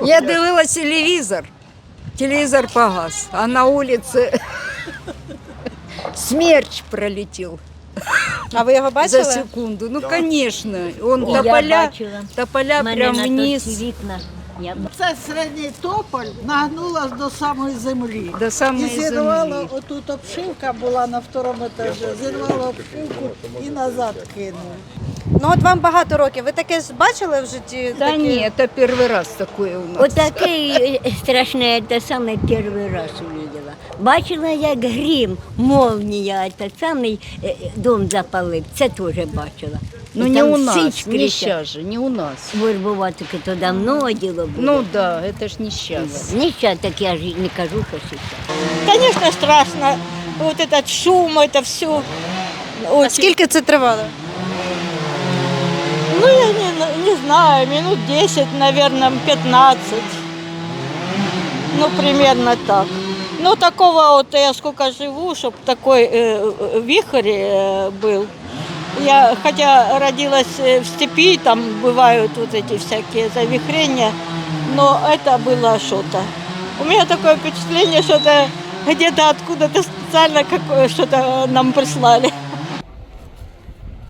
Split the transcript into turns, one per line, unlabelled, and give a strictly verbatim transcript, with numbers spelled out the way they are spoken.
Я дивилась телевізор, телевізор погас, а на вулиці смерч пролетів
А ви його
за
бачили?
секунду. Ну, конечно, он
Я
тополя,
бачила.
тополя
У мене
прям
на торці
вниз
вікна. Я
Це середній тополь нагнулась до самої землі.
до
І
самої
зірвала,
землі.
отут обшивка була на второму етажі, зірвала обшивку і назад кинула.
Ну от вам багато років. Ви таке ж бачили в житті?
Да
таке?
ні, це перший раз таке у нас.
Отаке страшне, це саме перший раз увидела. Бачила, як грім, молнія, це самий е, дом запалив, це теж бачила.
Ну
І
не
там
у
всі
нас, не
скрізь.
сейчас же, не у нас.
Вербувати то давно діло було.
Ну да, это ж не сейчас.
Не щас, так я ж не кажу, що зараз.
Конечно, страшно. Вот этот шум, это все.
А скільки це тривало?
Ну, я не, не знаю, минут десять, наверное, пятнадцать. Ну, примерно так. Ну, такого вот я сколько живу, чтобы такой э, вихрь э, был. Я, хотя родилась э, в степи, там бывают вот эти всякие завихрения, но это было что-то. У меня такое впечатление, что это где-то откуда-то специально какое что-то нам прислали.